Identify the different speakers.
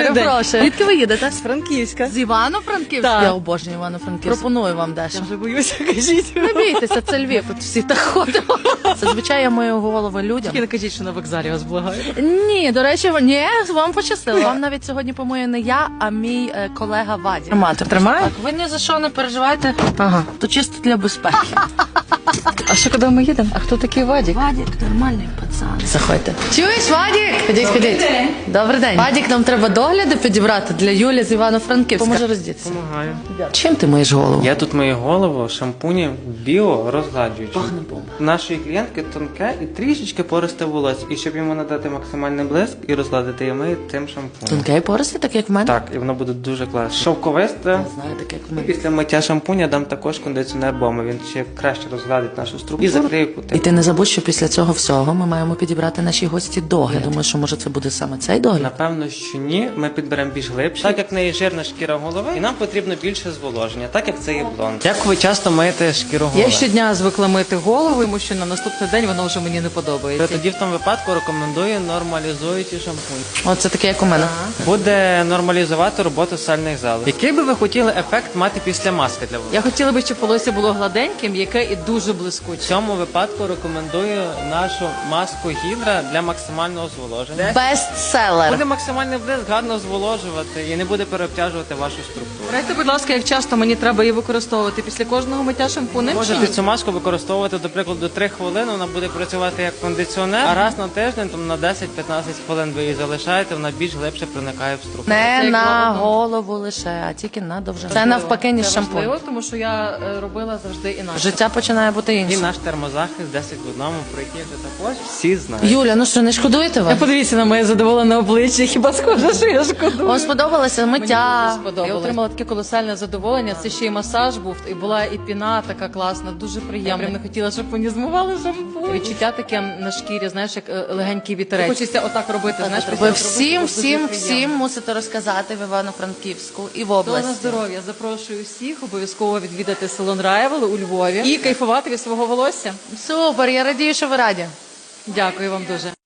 Speaker 1: Перепрошую. Звідки ви їдете?
Speaker 2: З Франківська.
Speaker 1: З Івано-Франківська?
Speaker 2: Так.
Speaker 1: Я обожнюю Івано-Франківськ. Пропоную вам дещо.
Speaker 2: Я вже боюся, кажіть.
Speaker 1: Не бійтеся, це Львів, тут всі так ходимо. Зазвичай я мою голову людям.
Speaker 2: Тільки не кажіть, що на вокзалі вас благаю.
Speaker 1: Ні, до речі, ні, вам пощастило. Вам навіть сьогодні помоє не я, а мій колега Вадік.
Speaker 2: Тримає?
Speaker 1: Так, ви ні за що не переживайте,
Speaker 2: Ага.
Speaker 1: то чисто для безпеки.
Speaker 2: А що, куди ми їдемо? А хто такий Вадік?
Speaker 1: Вадік нормальний пацан. Заходьте. Чуєш, Вадік? Ходіть. Добрий день. Вадік, нам треба догляди підібрати для Юлі з Івано-Франківська. Поможе роздітися.
Speaker 3: Помагаю.
Speaker 1: Чим ти миєш голову?
Speaker 3: Я тут мию голову шампунем біо розгладжуючи.
Speaker 1: Пахне бомба.
Speaker 3: Нашої клієнтки тонке і трішечки пористе волосся. І щоб йому надати максимальний блиск і розгладити, я мию цим шампунем.
Speaker 1: Тонке і пористе, так як в мене?
Speaker 3: Так, і воно буде дуже класно. Шовковисте.
Speaker 1: Знаю, так як в
Speaker 3: І
Speaker 1: мене.
Speaker 3: після миття шампуня дам також кондиціонер бомби. Він ще краще розгладить нашу структуру і закриє кути.
Speaker 1: І ти не забудь, що після цього всього ми маємо підібрати нашій гості догляд. Я думаю, що може це буде саме цей догляд.
Speaker 3: Напевно, що ні. Ми підберемо більш глибше. Так як в неї жирна шкіра голови, і нам потрібно більше зволоження, так як це є блонд. Як ви часто миєте шкіру голови?
Speaker 2: Я щодня звикла мити голову, тому що на наступний день воно вже мені не подобається.
Speaker 3: Тоді в тому випадку рекомендую нормалізуючий шампунь.
Speaker 1: Оце таке, як у мене.
Speaker 3: Буде нормалізувати роботу сальних залоз. Який би ви хотіли ефект мати після маски для волосся?
Speaker 2: Я хотіла би, щоб волосся було гладеньким, яке і дуже
Speaker 3: В
Speaker 2: блискуче.
Speaker 3: цьому випадку рекомендую нашу маску гідра для максимального зволоження.
Speaker 1: Бестселер.
Speaker 3: Буде максимальний блиск, гарно зволожувати і не буде переобтяжувати вашу структуру.
Speaker 2: Радьте, будь ласка, як часто мені треба її використовувати після кожного миття шампунем?
Speaker 3: Можете цю маску використовувати, до прикладу, 3 хвилини, вона буде працювати як кондиціонер, а раз на тиждень, там на 10-15 хвилин ви її залишаєте, вона більш глибше проникає в структуру.
Speaker 1: Не
Speaker 2: Це як
Speaker 1: на
Speaker 2: роботом.
Speaker 1: голову лише, а тільки на довжину. Це навпаки, ніж
Speaker 2: Це
Speaker 1: шампунь.
Speaker 2: важливо, тому що я робила завжди інакше.
Speaker 1: Життя починає бути
Speaker 3: І
Speaker 1: іншим.
Speaker 3: наш термозахист 10 в одному, про який ви також всі знають.
Speaker 1: Юля, ну що, не шкодуєте ви?
Speaker 2: Подивіться на моє задоволене обличчя, хіба схоже, що я шкодую?
Speaker 1: Вам сподобалося миття?
Speaker 2: Я отримала таке колосальне задоволення. Це ще й масаж був, і була і піна така класна, дуже приємна. Я прям не хотіла, щоб мені змивали шампунь. Відчуття таке на шкірі, знаєш, як легенький вітерець. Хочеться отак робити, знаєш, після
Speaker 1: Ви
Speaker 2: роботи,
Speaker 1: всім,
Speaker 2: було
Speaker 1: всім,
Speaker 2: дуже
Speaker 1: всім
Speaker 2: приємно.
Speaker 1: мусите розказати в Івано-Франківську і в
Speaker 2: То на
Speaker 1: області.
Speaker 2: здоров'я. Запрошую всіх обов'язково відвідати салон Райвел у Львові і кайфувати від свого волосся.
Speaker 1: Супер, я радію, що ви раді.
Speaker 2: Дякую вам дуже.